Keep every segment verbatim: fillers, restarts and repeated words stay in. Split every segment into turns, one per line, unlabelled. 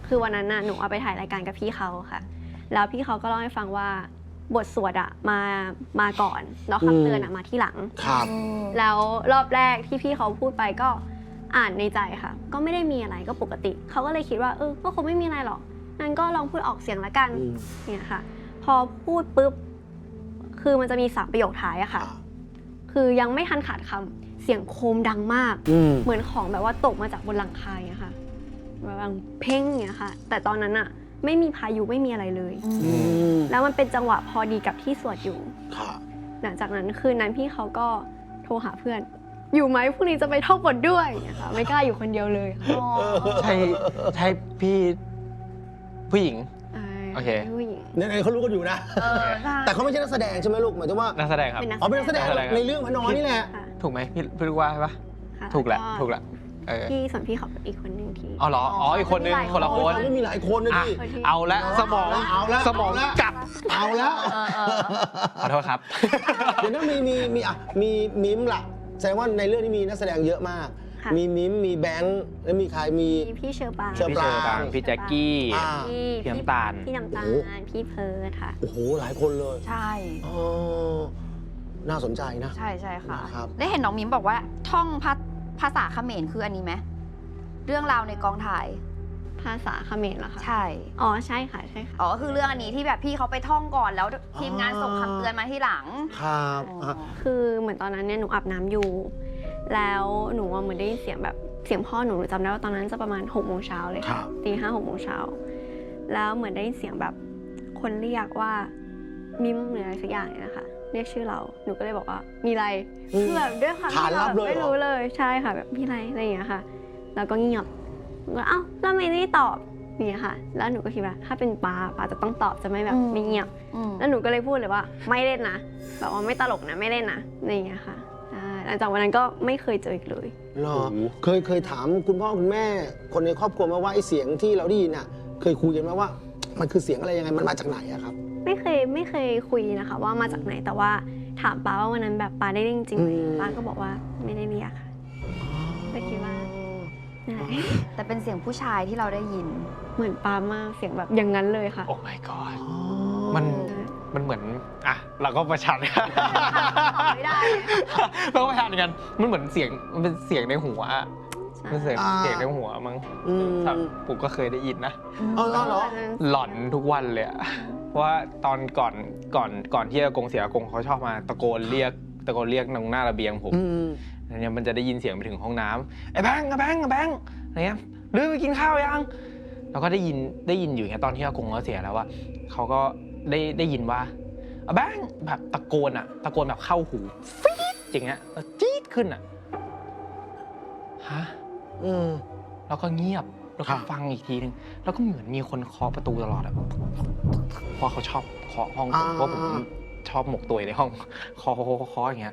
คือวันนั้นน่ะหนูเอาไปถ่ายรายการกับพี่เขาค่ะแล้วพี่เขาก็เล่าให้ฟังว่าบทสวดอะมามาก่อนแล้วคำเตือนอะมาที่หลัง
ครับ
แล้วรอบแรกที่พี่เขาพูดไปก็อ่านในใจค่ะก็ไม่ได้มีอะไรก็ปกติเขาก็เลยคิดว่าเออก็คงไม่มีอะไรหรอกงั้นก็ลองพูดออกเสียงละกันเนี่ยค่ะพอพูดปุ๊บคือมันจะมีสามประโยคท้ายอะค่ะคือยังไม่ทันขาดคำเสียงโคมดังมากเหมือนของแบบว่าตกมาจากบนหลังคาอย่างเงี้ยค่ะแบบดังเพ่งอย่างเงี้ยค่ะแต่ตอนนั้นอะไม่มีพายุไม่มีอะไรเลยแล้วมันเป็นจังหวะพอดีกับที่สวดอยู่หลังจากนั้นคืนนั้นพี่เขาก็โทรหาเพื่อนอยู่ไหมพรุ่งนี้จะไปท่องบทด้วยนะคะไม่กล้าอยู่คนเดียวเลย
ใช่ใช่พี่ผู้หญิงโอเค
ผู้หญิง
เนี่ยเขารู้กันอยู่นะแต่เขาไม่ใช่นักแสดงใช่ไหมลูกหมายถึงว่า
นักแสดงครับ
อ๋อเป็นนักแสดงในเรื่องพระนอนนี่แหละ
ถูกไหมพี่พี่รู้ว่าใช่ปะถูกแหละถูกแหละ
พี่ส่วนพี่เขาอีกคนนึงที่
อ๋อเหรออ๋ออีกคนนึงคนละคน
ไม่มีหลายคนนะพี่
เอาละสมอง
เอาละ
สมองกลับ
เอาแล้ว
ขอโทษครับ
เดี๋ยวนั้นมีมีมีอ่ะมีมิมล่ะแสดงว่าในเรื่องนี้มีนักแสดงเยอะมากมีมิมมีแบงค์แล้วมีใครมี
พี่เชอร์ปาง
พี่เชอร์ปางพี่แจ็คกี้พี่น้ำตาล
พี่น้ำตาลพี่เพิร์ทค่ะ
โอ้โหหลายคนเลย
ใช่
น่าสนใจนะ
ใช่ใช่ค่ะได้เห็นน้องมิมบอกว่าท่องภาษาเขมรคืออันนี้ไหมเรื่องราวในกองถ่าย
ภาษาเขมรเหรอคะ
ใช่
อ๋อใช่ค่ะใช่ค่ะ
อ๋อคือเรื่องอันนี้ที่แบบพี่เขาไปท่องก่อนแล้วทีมงานส่งคำเตือนมาที่หลัง
ครับ
คือเหมือนตอนนั้นเนี่ยหนูอาบน้ำอยู่แล้วหนูเหมือนได้ยินเสียงแบบเสียงพ่อหนูจำได้ว่าตอนนั้นจะประมาณหกโมงเช้าเลยค่ะตีห้าหกโมงเช้าแล้วเหมือนได้ยินเสียงแบบคนเรียกว่ามิมหรืออะไรสักอย่างเนี่ยนะคะเรียกชื่อเราหนูก็เลยบอกว่ามีอะไรคือแบบด้วยความที่เราไม่รู้เลยใช่ค่ะแบบมีอะไรอะไรอย่างเงี้ยค่ะแล้วก็เงียบก็เอ้าแล้วไม่ได้ตอบนี่ค่ะแล้วหนูก็คิดว่าถ้าเป็นปาปาจะต้องตอบจะไม่แบบไม่เงียบแล้วหนูก็เลยพูดเลยว่าไม่เล่นนะแบบว่าไม่ตลกนะไม่เล่นนะอะไรอย่างเงี้ยค่ะหลังจากวันนั้นก็ไม่เคยเจออีกเลย
หรอเคยเคยถามคุณพ่อคุณแม่คนในครอบครัวมาว่าไอ้เสียงที่เราได้ยินอ่ะเคยคุยกันไหมว่ามันคือเสียงอะไรยังไงมันมาจากไหนอะครับ
ไม่เคยไม่เคยคุยนะคะว่ามาจากไหนแต่ว่าถามป้าว่าวันนั้นแบบป้าได้เรียกจริงไหมป้าก็บอกว่าไม่ได้เรียกค่ะแต่คิดว่า
แต่เป็นเสียงผู้ชายที่เราได้ยิน
เหมือนป้ามากเสียงแบบอย่างนั้นเลยค่ะ
โอ้ my god มันมันเหมือนอ่ะเราก็ประชันกัน
ไม่ได้
เราก็ประชันกันมันเหมือนเสียงมันเป็นเสียงในหัวมันเสียงเสียงในหัวมั้งผมก็เคยได้ยินนะ
อ๋อเหรอ
หลอนทุกวันเลยอะเพราะว่าตอนก่อนก่อนก่อนที่อากงเสียอากงเขาชอบมาตะโกนเรียกตะโกนเรียกตรงหน้าระเบียงผมเนี่ยมันจะได้ยินเสียงไปถึงห้องน้ำไอ้แบงค์ไอ้แบงค์ไอ้แบงค์อะไรเงี้ยเรื่องไปกินข้าวยังเราก็ได้ยินได้ยินอยู่อย่างเงี้ยตอนที่อากงเขาเสียแล้วว่าเขาก็ได้ได้ยินว่าไอ้แบงค์แบบตะโกนอะตะโกนแบบเข้าหูฟี๊ดอย่างเงี้ยแล้วจี๊ดขึ้นอะฮะแล้วก็เงียบแล้วก็ฟังอีกทีนึงแล้วก็เหมือนมีคนเคาะประตูตลอดอะเพราะเขาชอบเคาะห้องผมเพราะผมชอบหมกตัวในห้องเคาะเคาะอย่างเงี้ย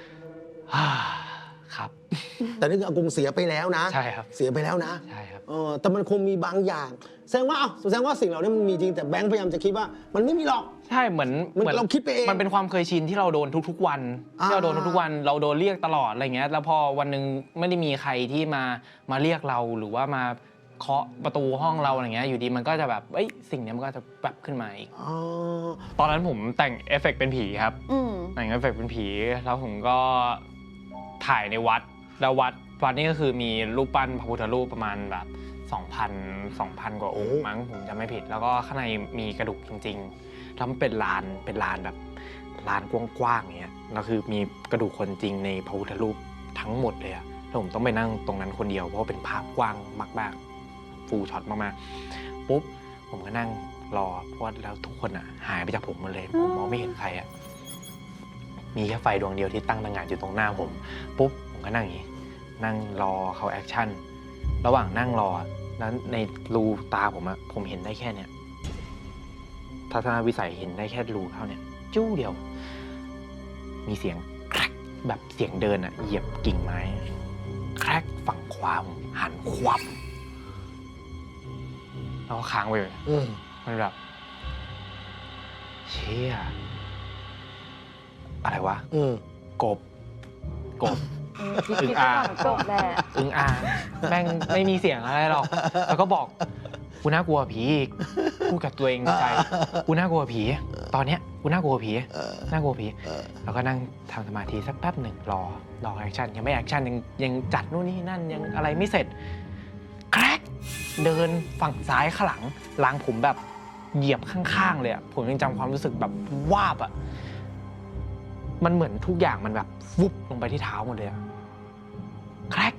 ครับ
แต่นี่คืออากงเสียไปแล้วนะ
ใช่ครับ
เสียไปแล้วนะ
ใช่ครับ
เออแต่มันคงมีบางอย่างแสดงว่าอ้าวแสดงว่าสิ่งเหล่านี้มันมีจริงแต่แบงค์พยายามจะคิดว่ามันไม่มีหรอก
ใช่เหมือนเหมือน
เราคิดไปเอง
มันเป็นความเคยชินที่เราโดนทุกๆวันที่เราโดนทุกๆวันเราโดนเรียกตลอดอะไรเงี้ยแล้วพอวันนึงไม่ได้มีใครที่มามาเรียกเราหรือว่ามาเคาะประตูห้องเราอะไรเงี้ยอยู่ดีมันก็จะแบบเอ้ยสิ่งนี้มันก็จะแบบขึ้นมาอีกตอนนั้นผมแต่งเอฟเฟกต์เป็นผีครับแต่งเอฟเฟกต์เป็นผีแล้วผมก็ถ่ายในวัดแล้ววัดวัดนี่ก็คือมีรูปปั้นพระพุทธรูปประมาณแบบสองพัน สองพันกว่าองค์มั้งผมจำไม่ผิดแล้วก็ข้างในมีกระดูกจริงๆแล้วมันเป็นลานเป็นลานแบบลานกว้างๆอย่างเงี้ยแล้วคือมีกระดูกคนจริงในพระพุทธรูปทั้งหมดเลยอะแล้วผมต้องไปนั่งตรงนั้นคนเดียวเพราะว่าเป็นภาพกว้างมากๆฟูลช็อตมากๆปุ๊บผมก็นั่งรอเพราะว่าแล้วทุกคนอะหายไปจากผมหมดเลยผมมองไม่เห็นใครอะมีแค่ไฟดวงเดียวที่ตั้งตระหง่านอยู่ตรงหน้าผมปุ๊บผมก็นั่งอย่างนี้นั่งรอเขาแอคชั่นระหว่างนั่งรอแล้วในรูตาผมอะผมเห็นได้แค่เนี้ยทัศนวิสัยเห็นได้แค่รูเท่าเนี้ยจู้เดียวมีเสียงแครกแบบเสียงเดินอะเหยียบกิ่งไม้แครกฝั่งขวาผมหันควับแล้วก็ค้างไปเลยมันแบบเชี่ยอะไรวะกบกบอึ่งอ่าง
กบแหละ
อึ่งอ่างแม่งไม่มีเสียงอะไรหรอกแล้วก็บอกกูน่ากลัวผีอีกพูดกับตัวเองในใจกูน่ากลัวผีตอนเนี้ยกูน่ากลัวผี
เออ
น่ากลัวผี
เออ
แล้วก็นั่งทำสมาธิสักแป๊บหนึ่งรอรอแอคชั่นยังไม่แอคชั่นยังยังจัดนู่นนี่นั่นยังอะไรไม่เสร็จแครกเดินฝั่งซ้ายข้างหลังล้างผมแบบเหยียบข้างๆเลยอะผมยังจำความรู้สึกแบบวาบอะมันเหมือนทุกอย่างมันแบบวุบลงไปที่เท้าหมดเลยอะแครก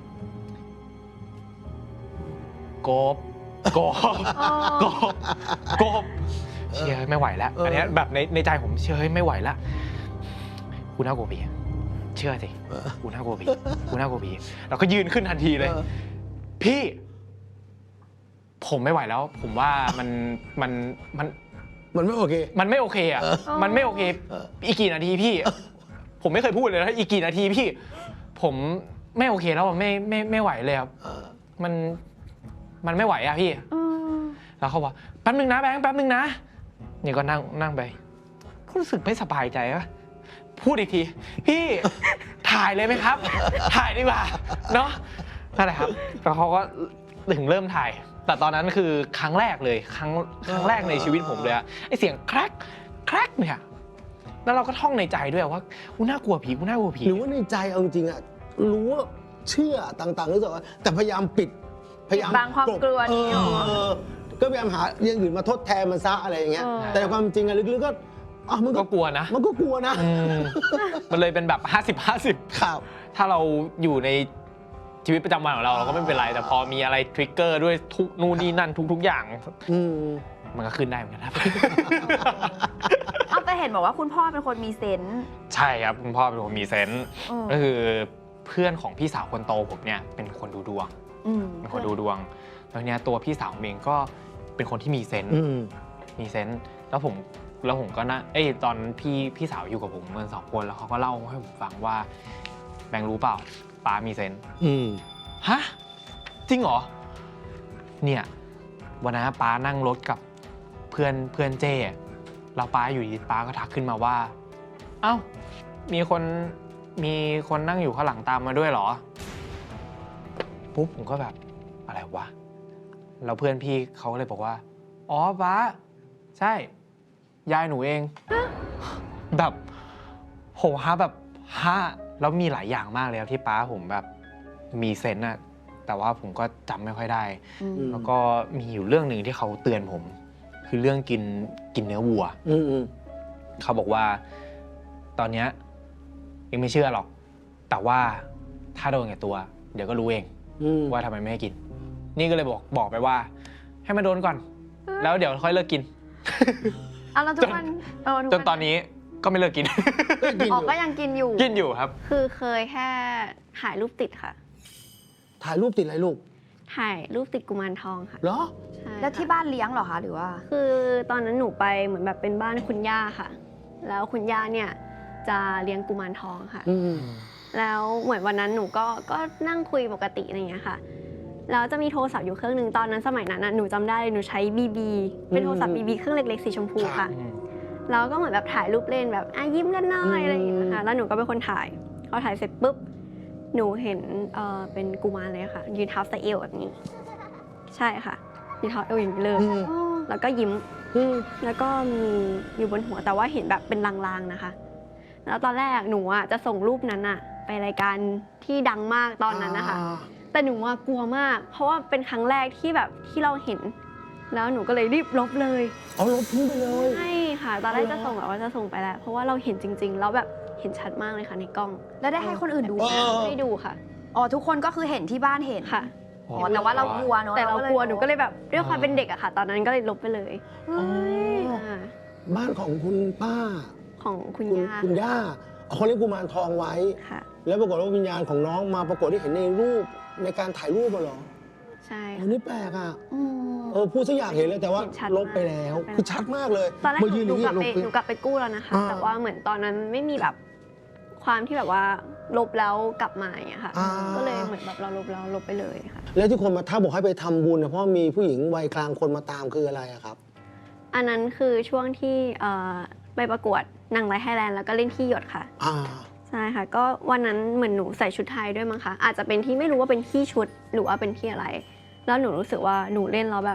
กบกบกบกบเชื่อไม่ไหวแล้ว
เอออั
อันเนี้ยแบบในในใจผมเชื่อไม่ไหวแล้วกูน่ากลัวผีเชื่อสิ
เออ
กูน่ากลัวผีกูน่ากลัวผีเราก็ยืนขึ้นทันทีเลย
เออ
พี่ ผมไม่ไหวแล้ว ผมว่ามันมันมัน
มันไม่โอเค
มันไม่โอเคอ่ะ
เออ
มันไม่โอเค
เออ
อีกกี่นาทีพี่ ผมไม่เคยพูดเลยนะอีกกี่นาทีพี่ ผมไม่โอเคแล้วอะไม่ไม่ไม่ไหวเลยครับ
เออ
มันมันไม่ไหวอ่ะพี่
อืม
แล้วเขาบอกแป๊บนึงนะแบงค์แป๊บนึงนะนี่ก็นั่งนั่งไปก็รู้สึกไม่สบายใจวะพูดอีกที พี่ ถ่ายเลยไหมครับ ถ่ายดีกว่าเนาะนั่นแหละครับแล้วเขาก็ถึงเริ่มถ่าย แต่ตอนนั้นคือครั้งแรกเลยครั้งครั้งแรกในชีวิตผมเลยอะไอเสียงแครกแครกเนี่ยแล้วเราก็ท่องในใจด้วยว่ากูน่ากลัวผีกูน่ากลัวผี
หรือว่าในใจเอาจริงๆอะรู้ว่าเชื่อต่างๆรู้สึกว่าแต่พยายามปิดพยายาม
ปิดบังความกลัวนี้
เอ
เหรอ
อเออก็พยายามหาอย่างอื่นมาทดแทนมันซะอะไรอย่างเงี้ย
เออ
แต่ความจริงอะลึกๆก็อ๋อมันก็
ก็กลัวนะ
มันก็กลัวนะ
อืมมันเลยเป็นแบบห้าสิบ ห้าสิบ
ครับ
ถ้าเราอยู่ในชีวิตประจำวันของเราเราก็ไม่เป็นไร แต่พอมีอะไรทริกเกอร์ด้วยทุกนู่นนี่นั่นทุก ๆ อย่าง
อืม
มันก็ขึ้นได้เหมือนกันครับ
เอาแต่เห็นบอกว่าคุณพ่อเป็นคนมีเซนส์
ใช่ครับคุณพ่อเป็นคนมีเซนส์
อืม
ก็คือเพื่อนของพี่สาวคนโตผมเนี่ยเป็นคนดูดวง
อืม
เป็นคนดูดวง แล้วเนี่ยตัวพี่สาวผมเองก็เป็นคนที่มีเซนส์
อืม
มีเซนส์แล้วผมแล้วผมก็นะเอ้ยตอนพี่พี่สาวอยู่กับผมเมื่อสองคนแล้วเขาก็เล่าให้ผมฟังว่าแบงค์รู้เปล่าป้ามีเซนส์
อืม
ฮะจริงเหรอเนี่ยวันนั้นป้านั่งรถกับเพื่อนเพื่อนเจ้แล้วป้าอยู่ดีป้าก็ทักขึ้นมาว่า เอ้ามีคนมีคนนั่งอยู่ข้างหลังตามมาด้วยเหรอปุ๊บผมก็แบบอะไรวะแล้วเพื่อนพี่เขาก็เลยบอกว่าอ๋อป้าใช่ยายหนูเอง แบบโหฮะแบบฮะแล้วมีหลายอย่างมากเลยครับที่ป้าผมแบบมีเซนส์อะแต่ว่าผมก็จำไม่ค่อยได้
อืม
แล้วก็มีอยู่เรื่องหนึ่งที่เขาเตือนผม คือเรื่องกินกินเนื้อวัว
อืมอืม
เขาบอกว่าตอนเนี้ยยังไม่เชื่อหรอก แต่ว่าถ้าโดนกับตัว เดี๋ยวก็รู้เอง
อืม
ว่าทำไมไม่ให้กิน นี่ก็เลยบอกบอกไปว่า ให้มันโดนก่อน แล้วเดี๋ยวค่อยเลิกกิน
เอาแล้วทุกวันเออทุก
จ
วัน
ตอนนี้ก็ไม่เลิกกิน
ก็กิน
อ๋
อ
อยู่ ก็ยังกินอยู่
กินอยู่ครับ
คือเคยแค่ถ่ายรูปติดค่ะ
ถ่ายรูปติดอะไรลูก
ถ่ายรูปติดกุมารทองค่ะ
เหรอ
ใช่
แล้วที่
ค่ะ
บ้านเลี้ยงเหรอคะหรือว่า
คือตอนนั้นหนูไปเหมือนแบบเป็นบ้านคุณย่าค่ะ แล้วคุณย่าเนี่ยจะเลี้ยงกุมารทองค่ะ
อืม
แล้วเหมือนวันนั้นหนูก็ก็นั่งคุยปกติอะไรอย่างเงี้ยค่ะ แล้วจะมีโทรศัพท์อยู่เครื่องหนึ่งตอนนั้นสมัยนั้นน่ะหนูจำได้เลยหนูใช้ บี บี เป็นโทรศัพท์ บี บี เครื่องเล็กๆสีชมพูค่ะ แล้วก็เหมือนแบบถ่ายรูปเล่นแบบอ่ะยิ้มกันหน่อยอะไรอย่างเงี้ยค่ะ แล้วหนูก็เป็นคนถ่าย พอถ่ายเสร็จปุ๊บ หนูเห็นเอ่อเป็นกุมารเลยค่ะ ยืนเท้าใส่เอวแบบนี้ ใช่ค่ะยืนเท้าเอวอย่างนี้เลย
อืม
แล้วก็ยิ้ม
อืม
แล้วก็มีอยู่บนหัวแต่ว่าเห็นแบบเป็นลางๆนะคะ แล้วตอนแรกหนูอ่ะจะส่งรูปนั้นอ่ะ ไปรายการที่ดังมากตอนนั้นนะคะ แต่หนูว่ากลัวมาก เพราะว่าเป็นครั้งแรกที่แบบที่เราเห็น แล้วหนูก็เลยรีบลบเลย
เอาลบทิ้งไปเลย
ใช่ค่ะ ตอนแรกจะส่งแบบว่าจะส่งไปแล้ว เพราะว่าเราเห็นจริง ๆ แล้วแบบเห็นชัดมากเลยค่ะในกล้อง
แล้วได้ให้คนอื่นดูไหม
เออ
ไม่ได้ดูค่ะ
อ๋อทุกคนก็คือเห็นที่บ้านเห็น
ค่ะ
อ๋อแต่ว่าเรากลัวเนอะ
แต่เรากลัว
ลย
หนูก็เลยแบบด้วยความเป็นเด็กอะค่ะ ตอนนั้นก็เลยลบไปเลย
เฮ้ย
อ่า
บ้านของคุณป้า
ของคุณ
คุณ
ย่า
คุณย่าเขาเลี้ยงกุมารทองไว้
ค่ะ
แล้วปรากฏว่าวิญญาณของน้องมาปรากฏที่เห็นในรูปในการถ่ายรูปอะเหรอ
ใช่
อันนี้แปลกอ่ะ
อืม
เออพูดซะอยากเห็นเลยแต่ว่า
เห็นชัด
ลบไปแล้ว
มาก
คือชัดมากเลย
ตอนแรก
มา
ห
ยืนอ
นู
ย่าง
ก
นี้
ลับ
ล
ไป
ง
หนูกลับไปกู้แล้วนะคะ
อ่า
แต่ว่าเหมือนตอนนั้นไม่มีแบบความที่แบบว่าลบแล้วกลับมาอย่างเงี้ยค่ะ
อ่า
ก็เลยเหมือนแบบเราลบแล้วลบไปเลยค่ะ
แล้วที่คนมาทักบอกให้ไปทำบุญเนี่ยเพราะมีผู้หญิงวัยกลางคนมาตามคืออะไรอะครับ
อันนั้นคือช่วงที่เอ่อไปประกวดนางร้ายไทยแลนด์แล้วก็เล่นที่หยดค่ะ
อ่า
ใช่ค่ะ ก็วันนั้นเหมือนหนูใส่ชุดไทยด้วยมั้งคะอาจจะเป็นที่ไม่รู้ว่าเป็นที่ชุดหรือว่าเป็นที่อะไร แล้วหนูรู้สึกว่าหนูเล่นแล้วแบบ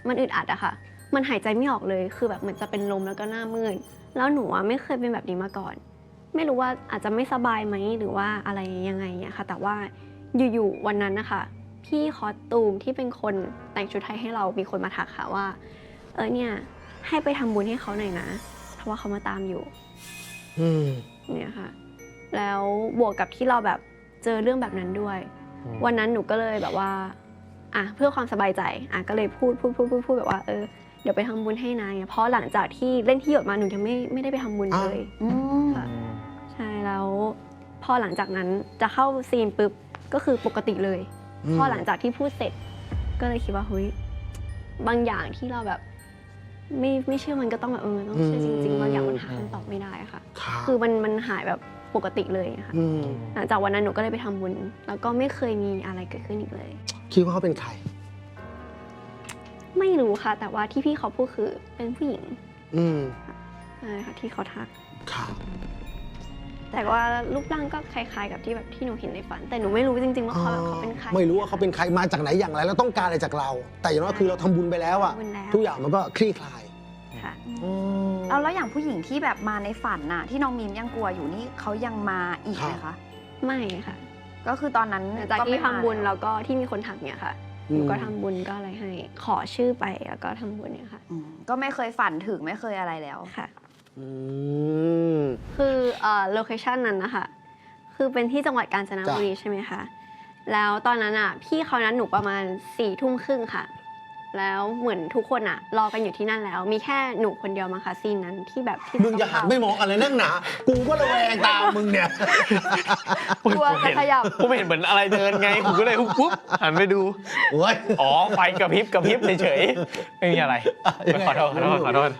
มันอึดอัดอะค่ะ มันหายใจไม่ออกเลยคือแบบเหมือนจะเป็นลมแล้วก็หน้ามืดแล้วหนูอะไม่เคยเป็นแบบนี้มาก่อน ไม่รู้ว่าอาจจะไม่สบายไหมหรือว่าอะไรยังไงเนี่ยค่ะแต่ว่าอยู่ๆวันนั้นนะคะพี่คอสตูมที่เป็นคนแต่งชุดไทยให้เรามีคนมาทักค่ะว่าเออเนี่ยให้ไปทำบุญให้เขาหน่อยนะเพราะว่าเขามาตามอยู่
อืม
เนี่ยค่ะแล้วบวกกับที่เราแบบเจอเรื่องแบบนั้นด้วย วันนั้นหนูก็เลยแบบว่าอ่ะเพื่อความสบายใจอ่ะก็เลยพูดพูดพูดพูดพูดแบบว่าเออเดี๋ยวไปทำบุญให้นะเพราะหลังจากที่เล่นที่หยดมาหนูยังไม่ไม่ได้ไปทำบุญเลย
อืม
ค่ะใช่แล้วพอหลังจากนั้นจะเข้าซีนปุ๊บก็คือปกติเลย
อืม
พอหลังจากที่พูดเสร็จ ก็เลยคิดว่าเฮ้ยบางอย่างที่เราแบบไม่ไม่เชื่อมันก็ต้องแบบเออต้องเชื่อจริงๆบางอย่างมันหาคำตอบไม่ได้ค่ะ
ครับ
คือมันมันหายแบบปกติเลยค่ะ
อืม
หลังจากวันนั้นหนูก็เลยไปทำบุญ แล้วก็ไม่เคยมีอะไรเกิดขึ้นอีกเลย
คิดว่าเขาเป็นใคร
ไม่รู้ค่ะ แต่ว่าที่พี่เขาพูดคือเป็นผู้หญิง
อืม
ใช่ค่ะที่เขาทัก
ครับ
แต่ว่ารูปร่างก็คล้ายๆกับที่แบบที่หนูเห็นในฝัน แต่หนูไม่รู้จริงๆว่าเขาแบบเขาเป็นใคร
ไม่รู้ว่าเขาเป็นใครมาจากไหนอย่างไรแล้วต้องการอะไรจากเรา แต่อย่างน้อยคือเราทำบุญไปแล้วอะ
ทำบุญแล้ว
ทุกอย่างมันก็คลี่คลาย
ค่ะ
อืม
เอาแล้วอย่างผู้หญิงที่แบบมาในฝันน่ะที่น้องมีมยังกลัวอยู่นี่เขายังมาอีกไหม
ครั
คะ
บ
ไม่ค่ะ
ก็คือตอนนั้น
หลังจาก
ก็
ที่
ไม่มา
ทำบุญ
แล้
แล้ว วก็ที่มีคนทักเนี่ยค่ะ หนูก็ทำบุญก็อะไรให้ ขอชื่อไปแล้วก็ทำบุญเนี่ยค่ะ
อืมก็ไม่เคยฝันถึงไม่เคยอะไรแล้ว
ค่ะ
อืม
คือเอ่อโลเคชันนั้นนะคะคือเป็นที่จังหวัดกาญจนบุรีใช่ไหมคะแล้วตอนนั้นอ่ะพี่เขานัดหนูประมาณสี่ทุ่มครึ่งค่ะ แล้วเหมือนทุกคนอ่ะรอกันอยู่ที่นั่นแล้ว มีแค่หนูคนเดียวมั้งคะซีนนั้นที่แบบที่
มึงอย่าหันไม่มองอะไรนั่งหนา กูก็ระแวงตามมึงเนี่ย
กลัวจะขยับ
ผมเห็นเหมือนอะไรเดินไงผมก็เลยปุ๊บหันไปดู
โอ้ย
อ๋อไฟกระพริบกระพริบเฉยๆไม่มีอะไร
ยังไง
ขอโทษขอโทษขอโทษ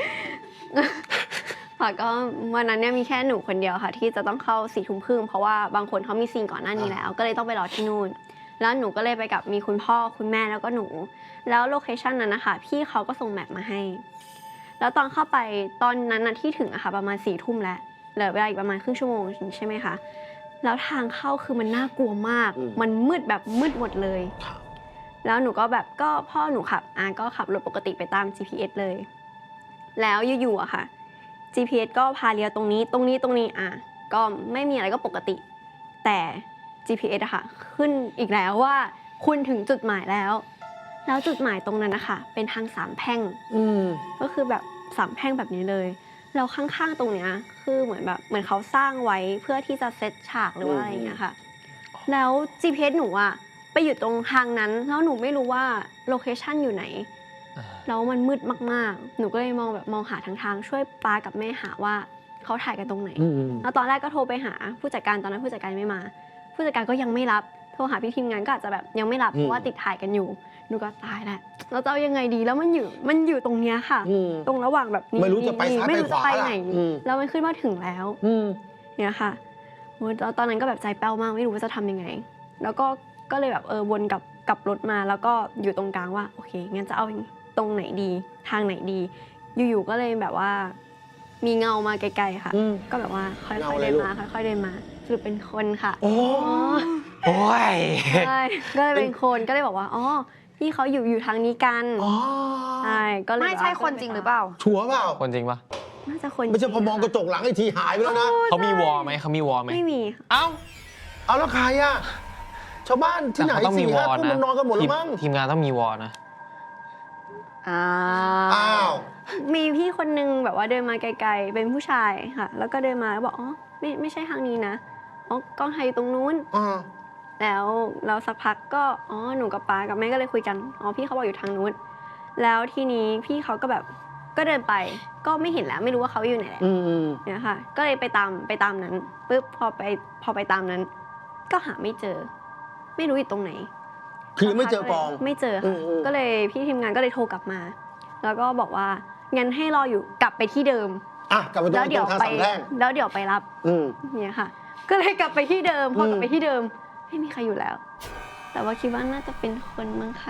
ค่ะก็วันนั้นเนี่ยมีแค่หนูคนเดียวค่ะที่จะต้องเข้าสี่ทุ่มครึ่งเพราะว่าบางคนเขามีซีนก่อนหน้านี้แล้ว ก็เลยต้องไปรอที่นู่น แล้วหนูก็เลยไปกับมีคุณพ่อคุณแม่แล้วก็หนู แล้วโลเคชันนั้นนะคะพี่เขาก็ส่งแมปมาให้ แล้วตอนเข้าไปตอนนั้นนะที่ถึงอะค่ะประมาณสี่ทุ่มแล้วเหลือเวลาอีกประมาณครึ่งชั่วโมงใช่ไหมคะแล้วทางเข้าคือมันน่ากลัวมาก
อืม
มันมืดแบบมืดหมดเลย
ครับ
แล้วหนูก็แบบก็พ่อหนูขับอ่ะก็ขับรถปกติไปตาม จี พี เอส เลย แล้วอยู่ๆอะค่ะ จี พี เอส ก็พาเลี้ยวตรงนี้ตรงนี้ตรงนี้อ่ะก็ไม่มีอะไรก็ปกติ แต่ จี พี เอส อะค่ะขึ้นอีกแล้วว่าคุณถึงจุดหมายแล้ว แล้วจุดหมายตรงนั้นนะคะเป็นทางสามแพร่ง
อืม
ก็คือแบบสามแพร่งแบบนี้เลยแล้วข้างๆตรงเนี้ยคือเหมือนแบบเหมือนเขาสร้างไว้เพื่อที่จะเซตฉากหรือว่าอะไรอย่างเงี้ยค่ะ แล้ว จี พี เอส หนูอะไปอยู่ตรงทางนั้นแล้วหนูไม่รู้ว่าโลเคชันอยู่ไหน แล้วมันมืดมากๆ หนูก็เลยมองแบบมองหาทางทางช่วยป้ากับแม่หาว่าเขาถ่ายกันตรงไหน
อืม
แล้วตอนแรกก็โทรไปหาผู้จัดการตอนนั้นผู้จัดการไม่มา ผู้จัดการก็ยังไม่รับโทรหาพี่ทีมงานก็อาจจะแบบยังไม่รับ
อืม
เพราะว่าติดถ่ายกันอยู่หนูก็ตายแล้วเราจะเอายังไงดีแล้วมันอยู่มันอยู่ตรงเนี้ยค่ะ
อืม
ตรงระหว่างแบบนี้
ไม่รู้จะไปซ้าย
ไม่
ไป
รู้
ข
จะ
วา
ไป
ล่ะ
ไหน
อืม
แล้วมันขึ้นมาถึงแล้ว
อืม
เนี่ยค่ะโอ้ยแล้วตอนนั้นก็แบบใจแป้วมากไม่รู้ว่าจะทำยังไง แล้วก็ก็เลยแบบเออวนกลับกลับรถมาแล้วก็อยู่ตรงกลางว่าโอเคงั้นจะเอาตรงไหนดีทางไหนดี อยู่ๆก็เลยแบบว่า มีเงามาไกลๆค่ะ
อืม
ก็แบบว่าค่
เงา
อย
อะไร
ๆเดิน
ลูก
มาค่อยๆเดินมาสรุปเป็นคนค่ะ
โอ้
อ๋อ
โอ้ย
ใช่ก็เลยเป็นคนก็เลยบอกว่าอ๋อพี่เขาอยู่อยู่ทางนี้กัน
อ๋อ
ใช่ก็เลย
ไม่ใช่คนจริงหรือเปล่า
ชัวร์เปล่า
คนจริงปะ
น่าจะคน
ไม่ใช่พอมองกระจกหลังไอ้ทีหายไปแล้วนะ
เขามีวอลไหมเขามีวอลไหม
ไม่มีค่ะ
เอ้า
เอาแล้วใครอ่ะ ชาวบ้านที่ไหน
แต่เขาต้องมี
สี่
วอ
ห้า
ล
ทุ่ม
นะ
มันนอนกันหมดแล้วมั้ง
ทีทีมงานต้องมีวอลนะ
อ้า
อ้าว
มีพี่คนนึงแบบว่าเดินมาไกลๆเป็นผู้ชายค่ะ แล้วก็เดินมาแล้วบอกอ๋อไม่ไม่ใช่ทางนี้นะอ๋อกล้องถ่ายอยู่ตรงนู้น
อ่า
แล้วเราสักพักก็อ๋อหนูกับป้ากับแม่ก็เลยคุยกันอ๋อพี่เขาบอกอยู่ทางนู้น แล้วทีนี้พี่เขาก็แบบก็เดินไปก็ไม่เห็นแล้วไม่รู้ว่าเขาอยู่ไหนแหละ
อืมอืม
เนี่ยค่ะ ก็เลยไปตามไปตามนั้นปุ๊บพอไปพอไปตามนั้น ก็หาไม่เจอ ไม่รู้อยู่ตรงไหน
คือไม่เจอปอง
ไม่เจอ
อื
ค่ะ
มอืม
ก็เลยพี่ทีมงานก็เลยโทรกลับมา แล้วก็บอกว่างั้นให้รออยู่กลับไปที่เดิม
อ่ะกลับไปตร
แล้ว
ง
เดี๋ยว
ทาง
ไป
สามแพร่ง
แล้วเดี๋ยวไปรับ
อืม
เนี่ยค่ะ ก็เลยกลับไปที่เดิมพอกลับ
อืม
ไปที่เดิมไม่มีใครอยู่แล้ว แต่ว่าคิดว่าน่าจะเป็นคนมั้งคะ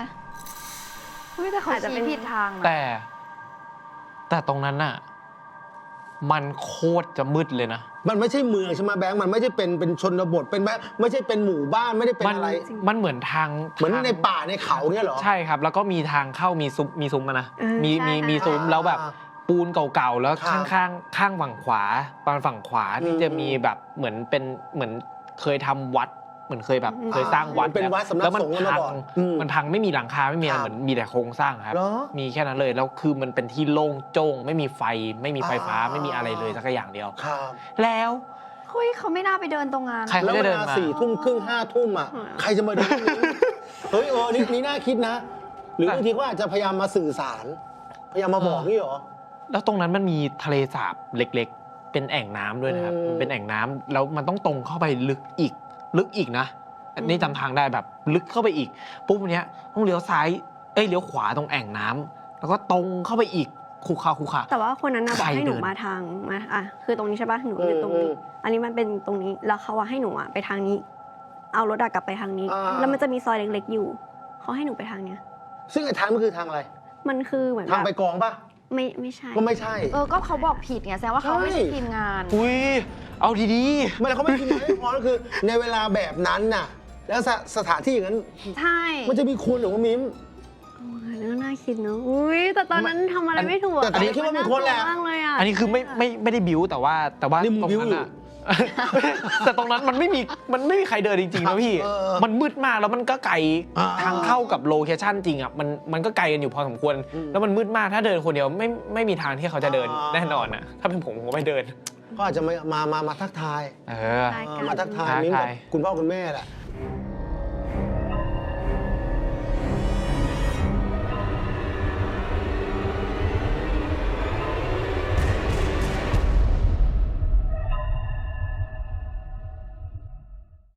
เฮ้ยแต่เขา
อาจจะเป็
ชี้
น
ผิดทางนะ
แต่ แต่ตรงนั้นน่ะมันโคตรจะมืดเลยนะ
มันไม่ใช่เมืองใช่ไหมแบงค์มันไม่ใช่เป็นเป็นชนบทเป็นแบบไม่ใช่เป็นหมู่บ้านไม่ได้เป็น
มัน
อะไร
มันเหมือนทาง
เหมือน
ทาง
ในป่าในเขาเนี่ยเหรอ
ใช่ครับ แล้วก็มีทางเข้ามีซุ้มมีซุ้มอะนะ
เออ
มี
ใช่
มีมี
ค่ะ
ซุ้มแล้วแบบปูนเก่าๆ แล้ว
ครั
ข้า
บ
งข้างข้างฝั่งขวาปานฝั่งขวาที่
อืม
จะมีแบบเหมือนเป็นเหมือนเคยทำวัด เหมือนเคยแบบ
อืม
เคยสร้างวัด
เป็นวัดสำนัก
แล้วมั
สงฆ์กันมา
พั
ก่อนอืม
มันพังไม่มีหลังคาไม่มีอะไร
ครับ
เหมือนมีแต่โครงสร้างครับ
เหรอ
มีแค่นั้นเลยแล้วคือมันเป็นที่โล่งโจ้งไม่มีไฟไม่มีไฟฟ้า
อ่า
ไม่มีอะไรเลยสักอย่างเดียว
ครับ
แล้ว
เฮ้ยเขาไม่น่าไปเดินตรงงาน
ใคร
แล้ว
เขาจะ
เว
เดิน
ลา
มา
สี่ทุ่มครึ่งห้าทุ่มอ่ะ
อืม
ใครจะมาดูตรงนี้เฮ้ยเออนี่นี่น่าคิดนะ หรือบางทีเขาอาจจะพยายามมาสื่อสาร พยายามมาบอกนี่เหรอ
แล้วตรงนั้นมันมีทะเลสาบเล็กๆ เป็นแอ่งน้ำด้วยนะครับ
อืม
มันเป็นแอ่งน้ำแล้วมันต้องตรงเข้าไปลึกอีก ลึกอีกนะ อันนี้จำทางได้แบบลึกเข้าไปอีก ปุ๊บเนี้ยต้องเลี้ยวซ้าย เอ้ยเลี้ยวขวาตรงแอ่งน้ำแล้วก็ตรงเข้าไปอีกคูคาคูคา
แต่ว่าคนนั้นนะบอก
ใคร
ให้หนู
เดิน
มาทางมาอ่ะคือตรงนี้ใช่ปะหนูอยู่ตรงนี้
อืม
อันนี้มันเป็นตรงนี้แล้วเขาว่าให้หนูอ่ะไปทางนี้ เอารถอะกลับไปทางนี้
อ่า
แล้วมันจะมีซอยเล็กๆอยู่เขาให้หนูไปทางเนี้ย
ซึ่งไอ้ทางมันคือทางอะไร
มันคือเหมือน
ทาง
แบ
ไป
บ
กองปะ
ไม่ไม่ใช่
ก็ไม่ใช่
เออก็เขาบอกผิดไงแสดงว่าเขาไม่ใช่
ใช่
ทีมงาน
อุ้ยเอาดี
ไม่แล้วเขาไม่คิดไม่พอก็คือ ในเวลาแบบนั้นน่ะ แล้วสสถานที่อย่างนั้น
ใช่
มันจะมีคนหรือว่ามิม
โอ้ยเรื่องน่าคิดเนอะอุ้ยแต่ตอนนั้นทำอะไรไม่ถูก
แต่ตอนนี้คิดว่ามีคนแหละ
มากเลยอ่ะ
ๆ อันนี้คือไม่ไม่ไม่ได้บิ้วแต่ว่าแต่ว่า
นี่มึง
ตรง
บิ้ว
นั้น
อยู่
อะ แต่ตรงนั้นมันไม่มีมันไม่มีใครเดินจริงๆนะพี่
เออ
มันมืดมากแล้วมันก็ไกล
อ่า
ทางเข้ากับโลเคชั่นจริงอ่ะมันมันก็ไกลกันอยู่พอสมควร
อืม
แล้วมันมืดมากถ้าเดินคนเดียวไม่ไม่มีทางที่เขาจะเดิน
อ่า
แน่นอนอ่ะถ้าเป็นผมผมก็ไม่เดิน
ก็อาจจะมามามามาทักทาย
เออ
ใช่
เออ
กัน
มาทักทาย
ทักทาย
มิ้มกับคุณพ่อคุณแม่แหละ